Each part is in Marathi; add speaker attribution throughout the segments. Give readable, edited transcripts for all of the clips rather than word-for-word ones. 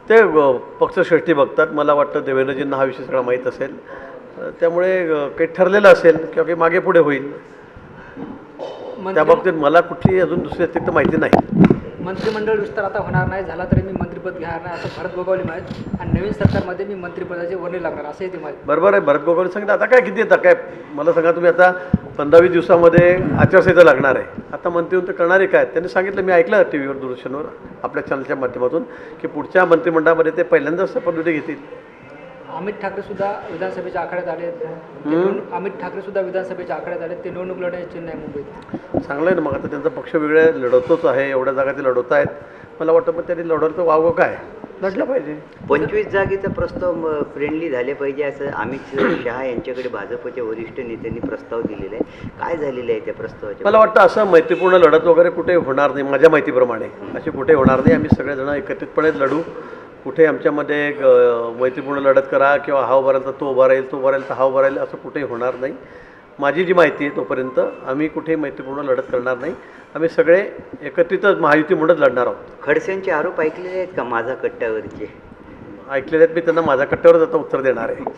Speaker 1: ते पक्षश्रेष्ठी बघतात. मला वाटतं देवेंद्रजींना हा विषय सगळा माहीत असेल, त्यामुळे काही ठरलेलं असेल किंवा काही मागे पुढे होईल. त्या बाबतीत मला कुठली अजून दुसरी अतिरिक्त माहिती नाही.
Speaker 2: मंत्रिमंडळ विस्तार आता होणार नाही, झाला तरी मी मंत्रिपद घेणार नाही असं भरत गोगावले म्हणत, आणि नवीन सरकारमध्ये मी मंत्रिपदाचे वर्णी लागणार असंही ते म्हणत.
Speaker 1: बरोबर आहे, भरत गोगावले सांगितलं. आता काय किती येतं काय मला सांगा तुम्ही. आता 15-20 दिवसामध्ये आचारसंहिता लागणार आहे. आता मंत्री तर करणारे काय? त्यांनी सांगितलं, मी ऐकलं टी व्हीवर, दूरदर्शनवर, आपल्या चॅनलच्या माध्यमातून, की पुढच्या मंत्रिमंडळामध्ये ते पहिल्यांदाच शपथविधी घेतील.
Speaker 2: अमित ठाकरे सुद्धा विधानसभेच्या आखाड्यात आले. अमित ठाकरे सुद्धा विधानसभेच्या आखाड्यात आले. ते निवडणूक लढण्याची चिन्ह आहे मुंबईत.
Speaker 1: चांगलं आहे ना. मग आता त्यांचा पक्ष वेगळे लढवतोच आहे, एवढ्या जागा ते लढवत आहेत. मला वाटतं मग त्यांनी लढवलं तर वावं काय, लढलं पाहिजे.
Speaker 3: 25 जागेचा प्रस्ताव फ्रेंडली झाले पाहिजे असं अमित शहा यांच्याकडे भाजपच्या वरिष्ठ नेत्यांनी प्रस्ताव दिलेला आहे. काय झालेलं आहे त्या प्रस्तावाच्या?
Speaker 1: मला वाटतं असं मैत्रीपूर्ण लढत वगैरे कुठे होणार नाही. माझ्या माहितीप्रमाणे अशी कुठे होणार नाही. आम्ही सगळेजण एकत्रितपणे लढू. कुठे आमच्यामध्ये मैत्रीपूर्ण लढत करा किंवा हा उभा राहील तर तो उभा राहील, तो उभा राहील तर हा उभा राहील, असं कुठेही होणार नाही. माझी जी माहिती आहे तोपर्यंत आम्ही कुठेही मैत्रीपूर्ण लढत करणार नाही. आम्ही सगळे एकत्रितच महायुती म्हणून लढणार आहोत.
Speaker 3: खडसेंचे आरोप ऐकलेले आहेत का माझा कट्ट्यावरचे?
Speaker 1: ऐकलेले आहेत. मी त्यांना माझ्या कट्ट्यावरच आता उत्तर देणार आहे.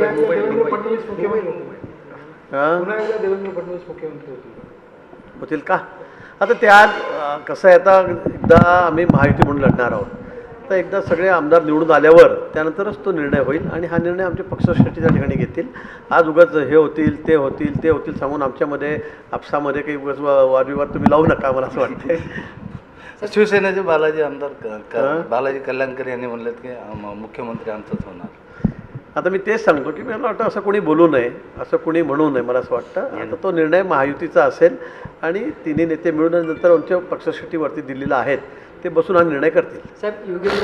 Speaker 1: होतील का? आता त्या कसं आहे, आता एकदा आम्ही महायुती म्हणून लढणार आहोत. तर एकदा सगळे आमदार निवडून आल्यावर त्यानंतरच तो निर्णय होईल, आणि हा निर्णय आमच्या पक्षश्रेष्ठीच्या ठिकाणी घेतील. आज उगाच हे होतील ते होतील ते होतील सांगून आमच्यामध्ये आपसामध्ये काही उगाच वादविवाद तुम्ही लावू नका, मला असं वाटतंय.
Speaker 4: शिवसेनेचे बालाजी आमदार बालाजी कल्याणकर यांनी म्हणलेत की मुख्यमंत्री आमचाच होणार.
Speaker 1: आता मी तेच सांगतो की मला वाटतं असं कोणी बोलू नये, असं कोणी म्हणू नये. मला असं वाटतं आता तो निर्णय महायुतीचा असेल, आणि तिन्ही नेते मिळून नंतर आमच्या पक्षश्रेष्ठीवरती दिलेला आहेत, ते बसून हा निर्णय करतील.
Speaker 2: साहेब, योगेंद्र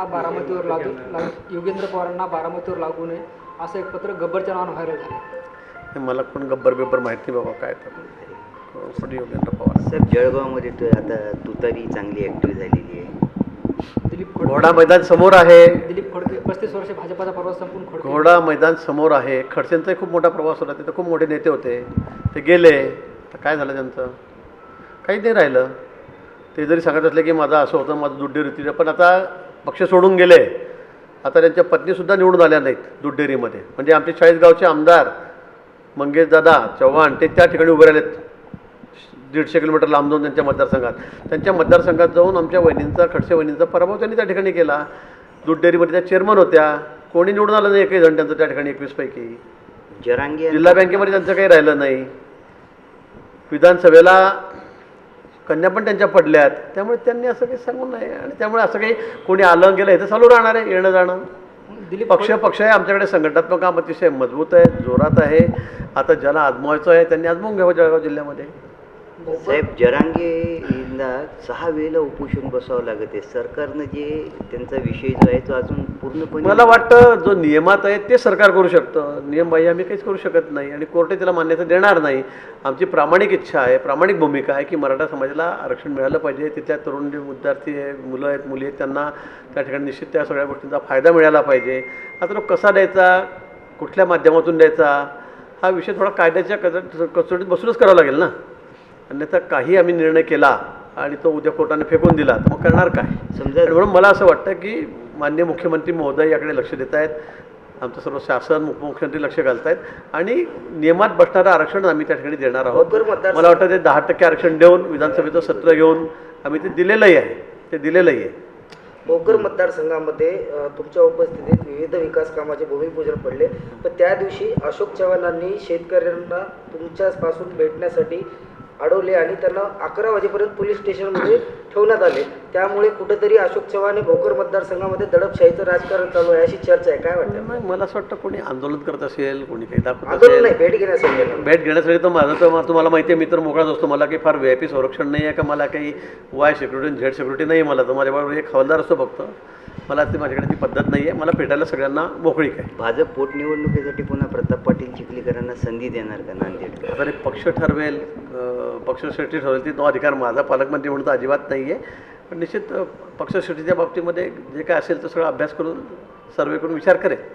Speaker 2: पवारांना लागू नये असं एक पत्र गब्बरच्या नावानं व्हायरल झालं.
Speaker 1: मला कोण गब्बर बिब्बर माहिती नाही बाबा काय तर. कोण योगेंद्र पवार?
Speaker 3: सर, जळगावमध्ये आता तुतारी चांगली ॲक्टिव्ह झालेली आहे.
Speaker 2: दिलीप
Speaker 1: घोडा मैदान समोर आहे.
Speaker 2: दिलीप खोडके 35 वर्ष भाजपाचा प्रवास संपून खोडके.
Speaker 1: घोडा मैदान समोर आहे. खडसेंचाही खूप मोठा प्रवास होता. तिथं खूप मोठे नेते होते, ते गेले. तर काय झालं त्यांचं? काही नाही राहिलं. ते जरी सांगत असले की माझं असं होतं, माझं दूध पण आता पक्ष सोडून गेले. आता त्यांच्या पत्नीसुद्धा निवडून आल्या नाहीत दूध डेअरीमध्ये. म्हणजे आमचे 40 गावचे आमदार मंगेशदादा चव्हाण ते त्या ठिकाणी उभे राहिलेत, 150 किलोमीटर लांब जाऊन त्यांच्या मतदारसंघात. त्यांच्या मतदारसंघात जाऊन आमच्या वहिनींचा, खडसे वहिनींचा पराभव त्यांनी त्या ठिकाणी केला. दूध डेअरीमध्ये त्या चेअरमन होत्या. कोणी निवडून आलं नाही एकही जण त्यांचं त्या ठिकाणी. 21 पैकी
Speaker 3: जरांगे
Speaker 1: जिल्हा बँकेमध्ये त्यांचं काही राहिलं नाही. विधानसभेला कन्या पण त्यांच्या पडल्यात. त्यामुळे त्यांनी असं काही सांगू नये, आणि त्यामुळे असं काही कोणी आलं गेलं हे तर चालू राहणार आहे, येणं जाणं. पक्ष आहे. आमच्याकडे संघटनात्मक काम अतिशय मजबूत आहे, जोरात आहे. आता ज्याला आजमावायचं आहे त्यांनी आजमावून घ्यावं जळगाव जिल्ह्यामध्ये.
Speaker 3: साहेब, जरांगेंना 6 वेळेला उपोषण बसावं लागत आहे. सरकारनं जे त्यांचा विषय जो आहे तो अजून पूर्णपणे,
Speaker 1: मला वाटतं जो नियमात आहे ते सरकार करू शकतं. नियमबाह्य आम्ही काहीच करू शकत नाही, आणि कोर्टे त्याला मान्यता देणार नाही. आमची प्रामाणिक इच्छा आहे, प्रामाणिक भूमिका आहे की मराठा समाजाला आरक्षण मिळालं पाहिजे. तिथल्या तरुण जे विद्यार्थी आहे, मुलं आहेत, मुली आहेत, त्यांना त्या ठिकाणी निश्चित त्या सगळ्या गोष्टींचा फायदा मिळाला पाहिजे. आता तो कसा द्यायचा, कुठल्या माध्यमातून द्यायचा, हा विषय थोडा कायद्याच्या कसोटीत बसूनच करावा लागेल ना. अन्यथा काही आम्ही निर्णय केला आणि तो उद्या कोर्टाने फेकून दिला तर मग करणार काय?
Speaker 3: समजा.
Speaker 1: म्हणून मला असं वाटतं की माननीय मुख्यमंत्री महोदय याकडे लक्ष देत आहेत. आमचं सर्व शासन, उपमुख्यमंत्री लक्ष घालत आहेत, आणि नियमात बसणारं आरक्षण आम्ही त्या ठिकाणी देणार आहोत. मला वाटतं ते 10% आरक्षण देऊन विधानसभेचं सत्र घेऊन आम्ही ते दिलेलंही आहे.
Speaker 5: भोकर मतदारसंघामध्ये तुमच्या उपस्थितीत विविध विकास कामाचे भूमिपूजन पडले. पण त्या दिवशी अशोक चव्हाणांनी शेतकऱ्यांना तुमच्यापासून भेटण्यासाठी अडवले, आणि त्यांना 11 वाजेपर्यंत पोलीस स्टेशनमध्ये ठेवण्यात आले. त्यामुळे कुठेतरी अशोक चव्हाण भोकर मतदारसंघामध्ये दडपशाहीचं राजकारण चालू आहे अशी चर्चा आहे. काय वाटतं?
Speaker 1: मला असं वाटतं कोणी आंदोलन करत असेल, कोणी काही दाखवत
Speaker 5: आंदोलन नाही,
Speaker 1: असेल,
Speaker 5: भेट घेण्यासाठी
Speaker 1: तर माझं तर तुम्हाला माहिती आहे, मी तर मोकळाच असतो. मला काही फार VIP संरक्षण नाही आहे, का मला काही वाय सिक्युरिटी झेड सिक्युरिटी नाही. मला तर माझ्याबरोबर एक हवालदार असतो फक्त. मला ती माझ्याकडे ती पद्धत नाही आहे. मला भेटायला सगळ्यांना मोकळीक आहे.
Speaker 3: भाजप पोटनिवडणुकीसाठी पुन्हा प्रताप पाटील चिखलीकरांना संधी देणार का नांदेड?
Speaker 1: आता पक्ष ठरवेल, पक्षश्रेष्ठी ठरवेल, ती तो अधिकार माझा पालकमंत्री म्हणून तर अजिबात नाही आहे. पण निश्चित पक्षश्रेष्ठीच्या बाबतीमध्ये जे काय असेल तो सगळा अभ्यास करून, सर्वे करून विचार करेल.